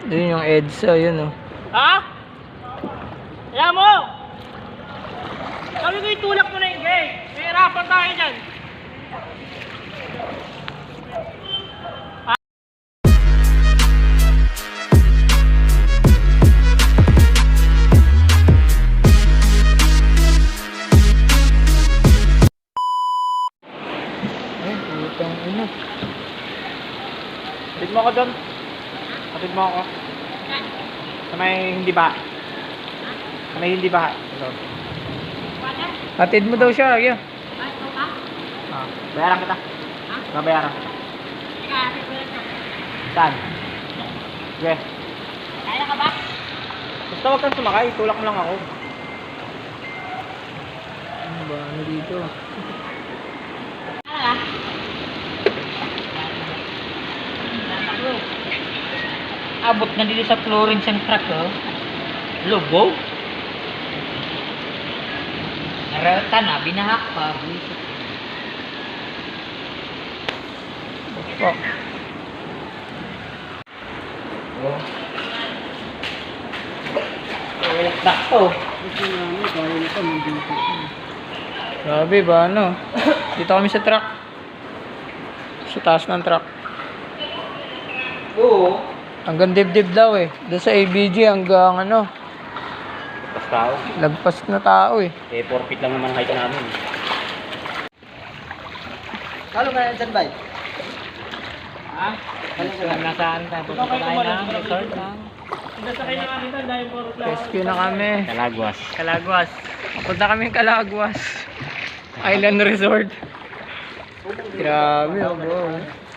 Yun yung EDSA, yun oh. Ha? Alam mo! Sabi ko itulak mo na yung gate. May hirapan tayo dyan. Ay, putang ina. Hatid mo ako doon. Hatid mo ako. Sa may hindi ba? Sa may hindi ba? Hatid mo daw siya, yeah. Ah, bayaran kita. Babayaran. Saan? Sige. Kaya ka ba? Basta huwag kang sumakay. Tulak mo lang ako. Ano ba? Ano dito? Abot na dito sa Florence ang truck, oh. Lobo. Narata na, binahak pa. Fuck. Oh. Walang truck to. Grabe ba, ano? Dito kami sa truck. Sa taas ng truck. Oo. Hanggang dibdib daw eh. Doon sa ABG hanggang ano, Basta tao. lagpas na tao eh. Eh, 4 feet lang naman height namin. Kalo ka na dyan, bay? Ha? Nasaan tayo? Punta tayo ng resort lang. Nasakay na kami doon dahil 4 o'clock. Rescue na kami. Kalagwas. Kalagwas. Punta kami Kalagwas. Island Resort. Grabe oh bro.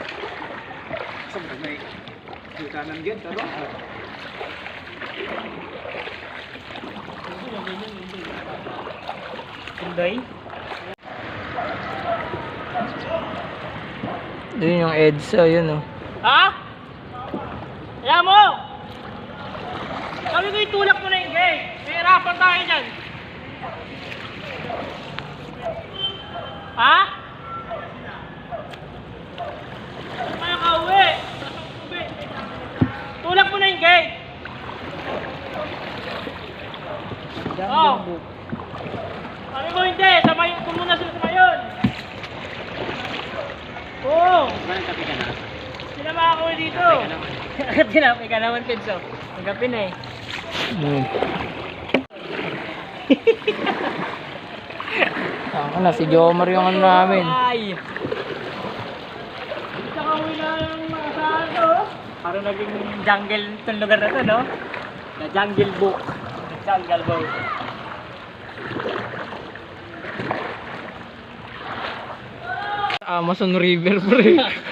Sunday? Yun yung EDSA, yun oh. Ha? Alam mo! Sabi ko itulak mo na yung gate. May hirapan tayo dyan. Ha? Kaya ka uwi. Tulak mo na yung gate. Oh. Sabi ko hindi. Samayin ko muna sila sa ngayon. Oo. Walang kape ka na? Sinama ako dito. Tinapay ka naman, Pedro. Ang kape na eh. Ako na, si Jomar yung ano namin. Ay! Isa ka uwi na yung mga saan to. Parang naging jungle itong lugar na to, no? The Jungle Book. The Jungle Book. Amazon River, pre.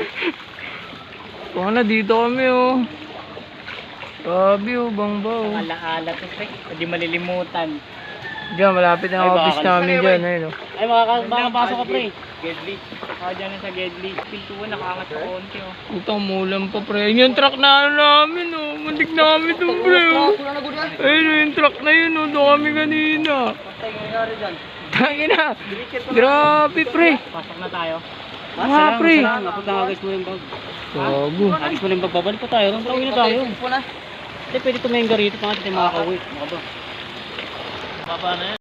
Kung na, dito kami, oh. Grabe, oh, bangbaw. Ala-ala to, pre. Hindi malilimutan. Diyan, malapit na ang office namin dyan, ayun, oh. Ay, makakapasok ka, pre. Gedli. Dyan sa Gedli. Pintuan, nakaangat sa konti, oh. Utang mulan pa, pre. Yun yung truck na ano namin, oh. Mundik namin doon, pre, oh. Ayun, oh, yung truck na yun, oh. Doon kami kanina. Basta yung nangyari dyan. Tangin na. Grabe, pre. Pasok na tayo. Mga, pre. Napot na agad mo yung bag. Gago. Agad mo yung bag. Babalik pa tayo. Nung tawin na tayo. Hindi, pwede tumayin ka rito. Pangat tayo makakauwi. Maka ba? Baba na yan.